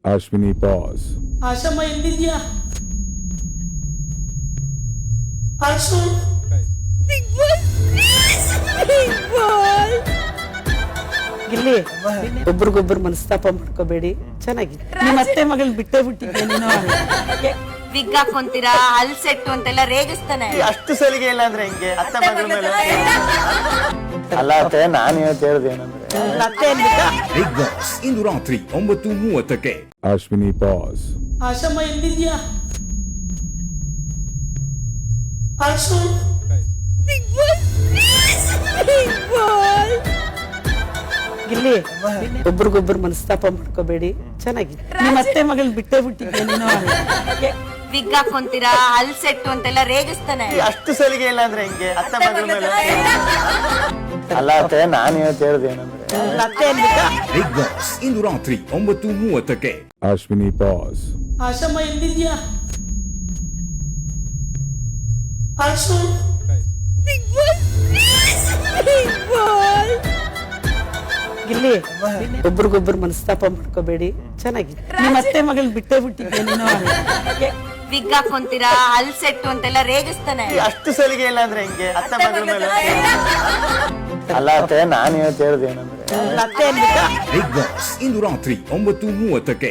Ashwini, pause. ಆಶಮ್ಮ ಎಲ್ಲಿದ್ಯಾ? ಆಶು ಇಲ್ಲಿ ಒಬ್ರಿಗೊಬ್ರು ಮನಸ್ತಾಪ ಮಾಡ್ಕೋಬೇಡಿ, ಚೆನ್ನಾಗಿದೆ. ನಿಮ್ಮ ಅತ್ತೆ ಮಗಳು ಬಿಟ್ಟೇ ಬಿಟ್ಟಿದ್ದೆ ನೀನು. ವಿಗ್ ಹಾಕೊಂತೀರಾ, ಹಲ್ ಸೆಟ್ಟು ಅಂತೆಲ್ಲ ರೇಗಿಸ್ತಾನೆ. ಅಷ್ಟು ಸಲಿಗೆ ಇಲ್ಲ ಅಂದ್ರೆ ಹೆಂಗೆ ಅತ್ತೆ ಮಗಳ ಮೇಲೆ? ಅಲ್ಲ ಅತ್ತೆ, ನಾನು ಇವತ್ತು ಹೇಳ್ದೆ ಏನಂದ್ರೆ ಅತ್ತೆ ಅಂದ್ಬಿಟ್ಟು ಬಿಗ್ ಬಾಸ್ ಇಂದು ರಾತ್ರಿ 9:30ಕ್ಕೆ. Ashwini, pause. ಆಶಮ್ಮ ಎಲ್ಲಿದ್ಯಾ? ಆಶು ಇಲ್ಲಿ ಒಬ್ರಿಗೊಬ್ರು ಮನಸ್ತಾಪ ಮಾಡ್ಕೋಬೇಡಿ, ಚೆನ್ನಾಗಿದೆ. ನಿಮ್ಮ ಅತ್ತೆ ಮಗಳು ಬಿಟ್ಟೇ ಬಿಟ್ಟಿದ್ದೆ ನೀನು. ವಿಗ್ ಹಾಕೊಂತೀರಾ, ಹಲ್ ಸೆಟ್ಟು ಅಂತೆಲ್ಲ ರೇಗಿಸ್ತಾನೆ. ಅಷ್ಟು ಸಲಿಗೆ ಇಲ್ಲ ಅಂದ್ರೆ ಹೆಂಗೆ ಅತ್ತೆ ಮಗಳ ಮೇಲೆ? ಅಲ್ಲ ಅತ್ತೆ, ನಾನು ಇವತ್ತು ಹೇಳ್ದೆ ಏನಂದ್ರೆ ಅತ್ತೆ ಅಂದ್ಬಿಟ್ಟು ಬಿಗ್ ಬಾಸ್ ಇಂದು ರಾತ್ರಿ 9:30ಕ್ಕೆ. Ashwini, pause. ಆಶಮ್ಮ ಎಲ್ಲಿದ್ಯಾ? ಆಶು ಇಲ್ಲಿ ಒಬ್ರಿಗೊಬ್ರು ಮನಸ್ತಾಪ ಮಾಡ್ಕೋಬೇಡಿ, ಚೆನ್ನಾಗಿದೆ. ನಿಮ್ಮ ಅತ್ತೆ ಮಗಳು ಬಿಟ್ಟೇ ಬಿಟ್ಟಿದ್ದೆ ನೀನು. ವಿಗ್ ಹಾಕೊಂತೀರಾ, ಹಲ್ ಸೆಟ್ಟು ಅಂತೆಲ್ಲ ರೇಗಿಸ್ತಾನೆ. ಅಷ್ಟು ಸಲಿಗೆ ಇಲ್ಲ ಅಂದ್ರೆ ಹೆಂಗೆ ಅತ್ತೆ ಮಗಳ ಮೇಲೆ? ಅಲ್ಲ ಅತ್ತೆ, ನಾನು ಇವತ್ತು ಹೇಳ್ದೆ ಏನಂದ್ರೆ ಅತ್ತೆ ಅಂದ್ಬಿಟ್ಟು ಬಿಗ್ ಬಾಸ್ ಇಂದು ರಾತ್ರಿ 9:30ಕ್ಕೆ.